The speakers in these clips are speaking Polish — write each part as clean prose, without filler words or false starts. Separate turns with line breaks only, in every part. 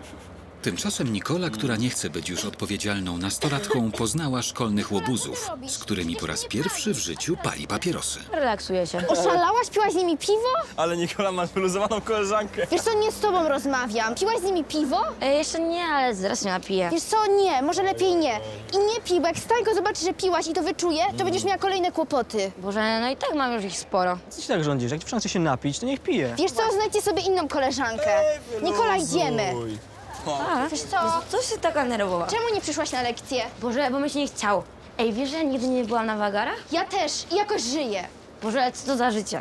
Tymczasem Nikola, która nie chce być już odpowiedzialną nastolatką, poznała szkolnych łobuzów, z którymi po raz pierwszy w życiu pali papierosy.
Relaksuję się.
Oszalałaś? Piłaś z nimi piwo?
Ale Nikola ma wyluzowaną koleżankę.
Wiesz co, nie z tobą rozmawiam. Piłaś z nimi piwo?
Jeszcze nie, ale zaraz się napiję.
Wiesz co, nie, może lepiej nie. I nie pij, bo jak Stańko zobaczy, że piłaś i to wyczuje, to będziesz miała kolejne kłopoty.
Boże, no i tak mam już ich sporo.
Co ci tak rządzisz? Jak dziewczyna chce się napić, to niech pije.
Wiesz co, znajdźcie sobie inną koleżankę. Nikola, idziemy.
A,
Wiesz co,
co się taka nerwowa?
czemu nie przyszłaś na lekcję?
Boże, bo mi się nie chciało. Ej, wiesz, że ja nigdy nie byłam na wagarach?
Ja też i jakoś żyję.
Boże, co to za życie?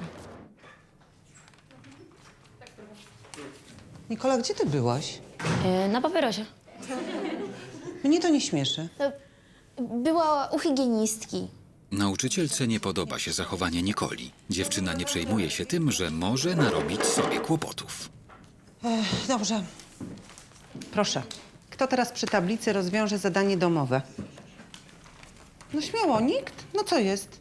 Nikola, gdzie ty byłaś?
Na papierosie.
Mnie to nie śmieszy.
Była u higienistki.
Nauczycielce nie podoba się zachowanie Nikoli. Dziewczyna nie przejmuje się tym, że może narobić sobie kłopotów.
Dobrze. Proszę. Kto teraz przy tablicy rozwiąże zadanie domowe? No śmiało, nikt? No co jest?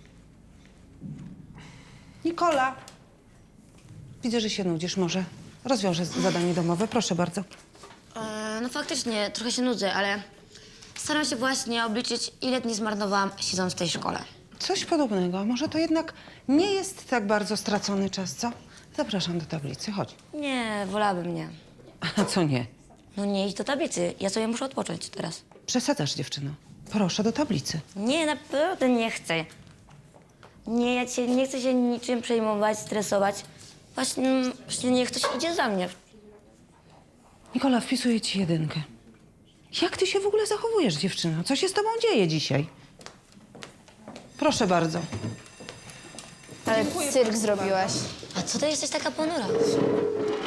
Nikola. Widzę, że się nudzisz. Może rozwiążę zadanie domowe. Proszę bardzo.
No faktycznie, trochę się nudzę, ale staram się właśnie obliczyć, ile dni zmarnowałam siedząc w tej szkole.
Coś podobnego. Może to jednak nie jest tak bardzo stracony czas, co? Zapraszam do tablicy. Chodź.
Nie, wolałabym nie.
A co nie?
No nie idź do tablicy, ja sobie muszę odpocząć teraz.
Przesadzasz, dziewczyno. Proszę do tablicy.
Nie, naprawdę nie chcę. Nie, nie chcę się niczym przejmować, stresować. Właśnie niech ktoś idzie za mnie.
Nikola, wpisuję ci 1. Jak ty się w ogóle zachowujesz, dziewczyno? Co się z tobą dzieje dzisiaj? Proszę bardzo.
Ale cyrk zrobiłaś.
A co ty jesteś taka ponura?